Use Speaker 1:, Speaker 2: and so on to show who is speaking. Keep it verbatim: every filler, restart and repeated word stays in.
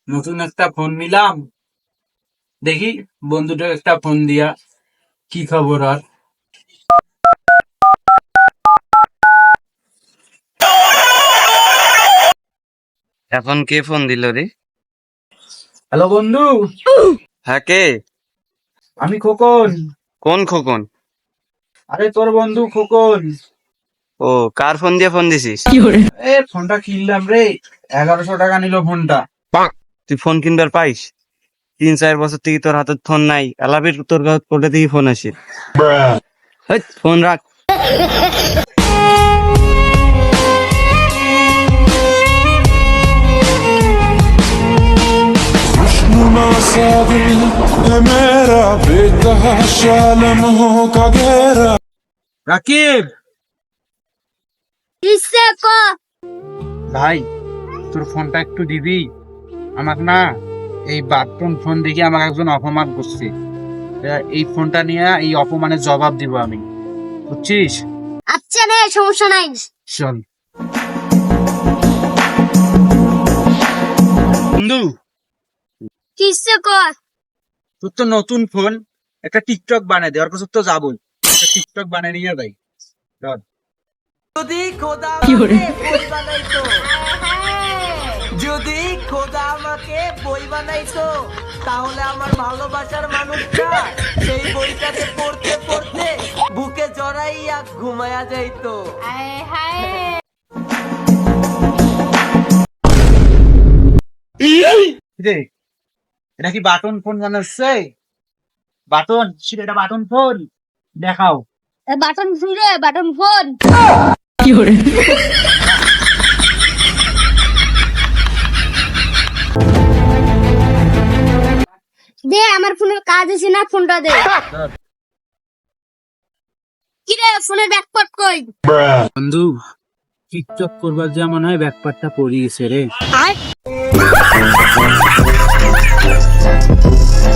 Speaker 1: নতুন একটা ফোন নিলাম, দেখি বন্ধুটার একটা ফোন দিয়া কি খবর আর।
Speaker 2: এখন কে ফোন দিল রে?
Speaker 1: হ্যালো বন্ধু,
Speaker 2: হ্যাঁ কে?
Speaker 1: আমি খোকন।
Speaker 2: কোন খোকন?
Speaker 1: আরে তোর বন্ধু খোকন।
Speaker 2: ও, কার ফোন দিয়ে ফোন দিছিস?
Speaker 1: এ ফোনটা কিনলাম রে, এগারোশো টাকা নিল ফোনটা।
Speaker 2: তুই ফোন কিনবার পাইস? তিন চার বছর থেকে তোর হাতে ফোন নাই, এলাবির তোর কোটে থেকে ফোন আসে। হেৎ, ফোন রাখ।
Speaker 3: खुशनुमा सा दिल है मेरा बेतहाशा लम्हों का गहरा।
Speaker 1: রাকিব
Speaker 4: কিসে ক
Speaker 1: ভাই, তোর ফোনটা একটু দিবি আমার না? এই বাটন ফোন দেখে আমাকে একজন অপমান করছে। তা এই ফোনটা নিয়ে এই অপমানের জবাব দিব আমি, বুঝছিস?
Speaker 4: আচ্ছা রে, সমস্যা নাই।
Speaker 1: চল বন্ধু,
Speaker 4: কিসে ক
Speaker 1: তোর তো নতুন ফোন, একটা টিকটক বানিয়ে দে। ওর কাছে তো যাবো, একটা টিকটক বানিয়ে নিয়ে যাই। চল।
Speaker 5: যদি খোদা আমাকে বই বানাইতো, যদি খোদা আমাকে বই বানাইতো, তাহলে আমার ভালোবাসার মানুষটা সেই বইটাকে পড়তে পড়তে বুকে জড়াইয়া ঘুমায়া যাইতো।
Speaker 1: রে, এটা কি বাটন ফোন বানাচ্ছে? বাটন, এটা বাটন ফোন দেখাও।
Speaker 4: বাটন ফোন রে, বাটন ফোন। দে, আমার ফোনের কাজ আছে না, ফোনটা দে। কি রে, ফোনের ব্যাকপার্ট কই?
Speaker 1: বন্ধু, টিকটক করবার যা মনে হয় ব্যাকপারটা পড়ে গেছে রে।
Speaker 4: আয়